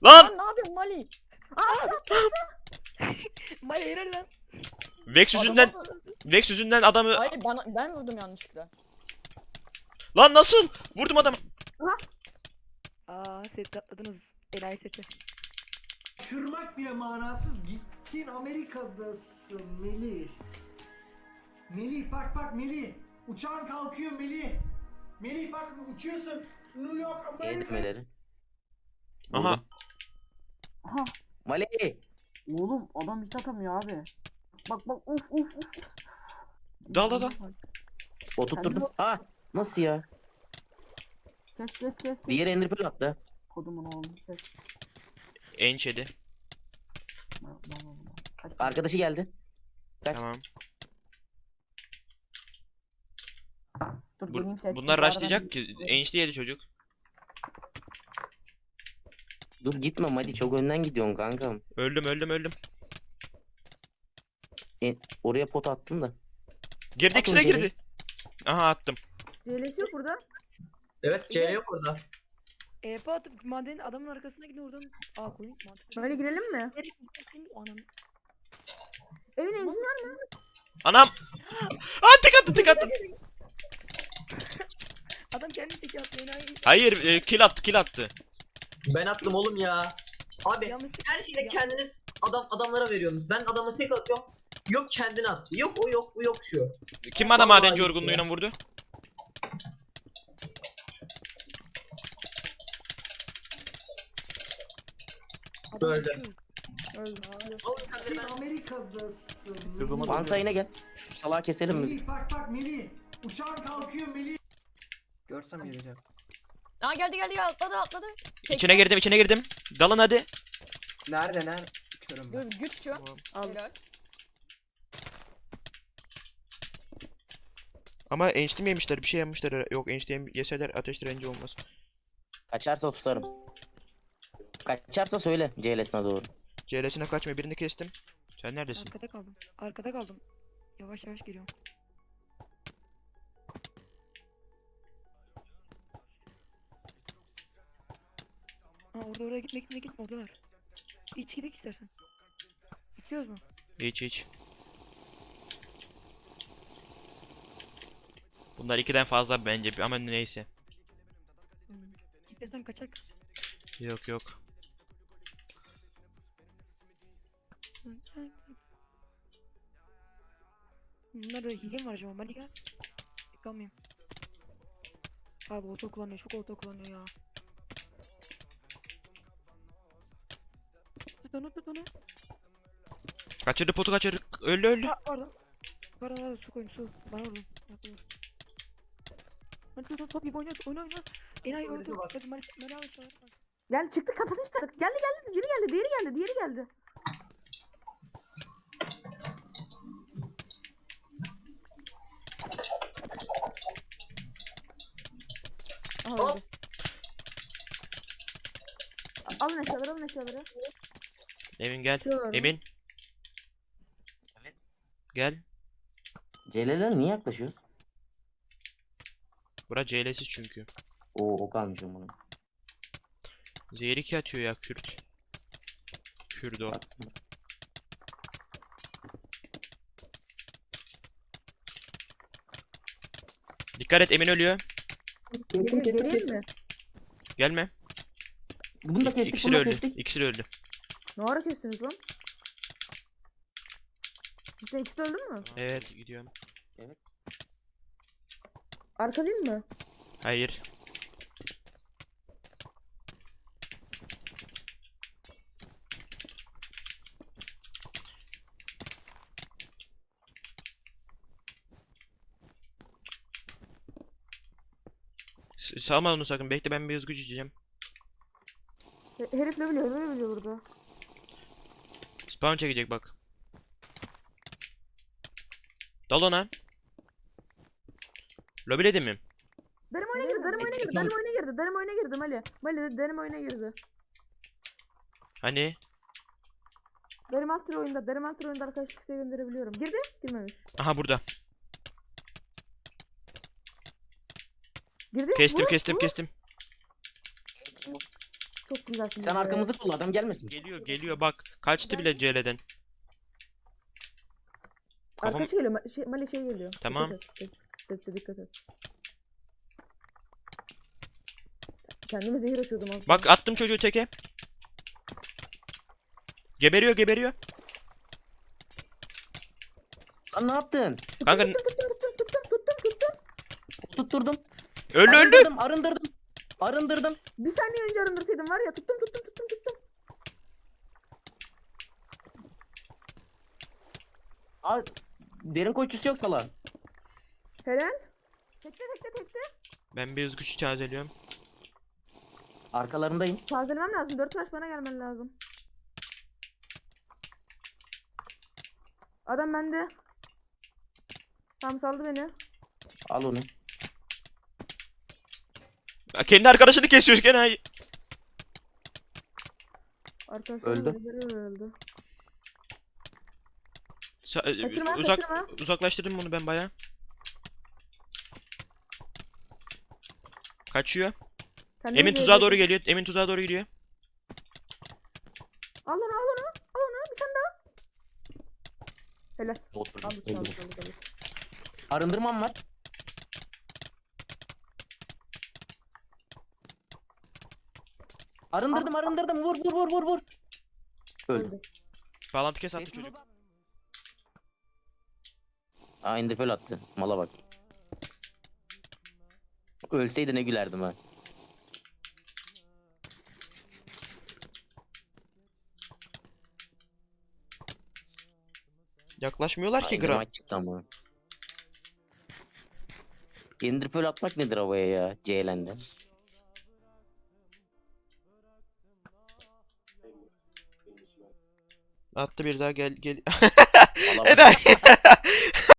Lan! Lan ne yapıyorsun Mali? Maya helal lan. Vex yüzünden, Vex yüzünden adamı... Hayır ben vurdum yanlışlıkla. Lan nasıl? Vurdum adamı. Aa set atladınız. Enayi seti. Şırmak bile manasız. Gittin Amerika'dasın Melih. Melih bak Melih. Uçağın kalkıyor Melih. Melih bak uçuyorsun. New York Amerika. Eğdirmeleri. Aha. Aha. Mali. Oğlum adam hiç atamıyor abi. Bak uf uf uf. Dal. Oturtturdum. Ha. Nasıl ya? Kes. Diğer Ender Pearl attı. Kodumun oğlum kes. Ençedi. Kaç. Arkadaşı geldi. Kaç. Tamam. Dur deneyim set. Bunlar Bu arada rushlayacak ki. Ençli yedi çocuk. Dur gitme Mali, çok önden gidiyorsun kankam. Öldüm. Oraya pot attım da. Girdi, Atın ikisine geri. girdi. Aha attım. CL'si yok burada. Evet, CL yok orada. EP atıp madenin adamın arkasına gidin oradan. Aa koyun mantıklı. Böyle girelim mi? Nereye gittin? Anam. Evin enjini var mı? Anam! Aa tek attı. Adam kendi teki attı enayi. Hayır, kill attı. Ben attım oğlum ya. Abi Yanlış. her şeyde kendiniz adamlara veriyorsunuz. Ben adamı tek atıyorum. Yok kendini attı. Yok o yok bu yok şu. Kim bana Vallahi madenci gitti yorgunluğuyla ya. vurdu? Adam Öldü. düşüyor. Öldü. Oğlum kendini Gittin ben... Amerika'dasın. Vansa yine gel. Şu salağı keselim mi? Melih bak Melih. Uçağın kalkıyor Melih. Görsem geleceğim. Aa geldi atladı. İçine girdim. Dalın hadi. Nerede? Körüm Dur güççü. Al. Helal. Ama ençli mi yemişler? Bir şey yemişler. Yok, ençli yeseler ateş direnci olmaz. Kaçarsa tutarım. Kaçarsa söyle CL'sine doğru. CL'sine kaçma, birini kestim. Sen neredesin? Arkada kaldım. Yavaş geliyorum. Ha oraya gitme oradalar. İç gidelim istersen. İçiyoruz mu? Hiç. Bunlar 2'den fazla bence ama neyse. İstersen kaçak. Yok. Bunlarda hile mi var acaba? Mali gel. Yıkamayayım. Abi oto kullanıyor. Çok oto kullanıyor ya. Tut onu. Kaçırdı, potu kaçırdı. Öldü. Ha pardon. Pardon su koyun su. Bana vurdun. Hadi top gibi oyna. Enayi öldü. Hadi Mali al şu an. Gel çıktı kafasını çıkardık. Geldi. Diğeri geldi. Aha, Hop. öldü. Alın eşyaları. Emin gel. Şuralarda. Emin. Evet. Gel. CL'ler niye yaklaşıyor? Bura CL'siz çünkü. Oo, o kalmışım bunun. Zehir 2 atıyor ya Kürt. Kürt o. Baktım. Dikkat et, Emin ölüyor. Geleyim mi? Gelme. Bunu da kestik, İkisi bunu de da öldü. kestik. İkisi de öldü. Ne ara kestiniz lan? Cidden ikisi de öldü mü? Evet, gidiyorum. Arka değil mi? Hayır. Salma onu sakın. Bekle, ben bir hızlı güç içeceğim. Herif ne biliyor burada. Spawn çekecek bak. Dal ona. Lobiledi mi? Benim oyuna girdi. Mali benim oyuna girdi. Hani? Benim alt tür oyunda arkadaşlık isteği gönderebiliyorum. Girdi? Girmemiş. Aha burada. Girdi? Kestim Vur, kestim vur. kestim. Çok güzelsiniz. Sen arkamızı kolla adam gelmesin. Geliyor bak. Kaçtı bile CL'den. Kafam... Arkadaşı geliyor. Mali şey geliyor. Tamam. Dikkat et. Kendime zehir atıyordum aslında. Bak attım çocuğu teke. Geberiyor. Lan ne yaptın? Kanka Tuttum. Tutturdum. öldü. Arındırdım. Bir saniye önce arındırsaydım var ya tuttum. Aa, derin koşusu yok falan. Helal. Tekte. Ben bir hız gücü tazeliyorum. Arkalarındayım. Tazelemem lazım. 4 taş bana gelmen lazım. Adam bende. Tam saldı beni. Al onu. Ya kendi arkadaşını kesiyor gene. Arkadaşlar Öldü. öldü. Kaçırma. Uzaklaştırdım bunu ben baya. Kaçıyor. Kendimi Emin zehir tuzağa doğru ettim. geliyor. Emin tuzağa doğru gidiyor. Al onu. Bir tane daha. Helal. Oturdum. Aldık. Öldüm. Arındırmam var. Arındırdım. Vur. Öldü. Bağlantı kes attı çocuk. Aa indiföl attı. Mala bak. Ölseydi ne gülerdim ha. Yaklaşmıyorlar ki Aynı gram. maç çıktı ama. Indiföl atmak nedir havaya ya? CL'nde. Attı bir daha gel. Mala bak. Enayi.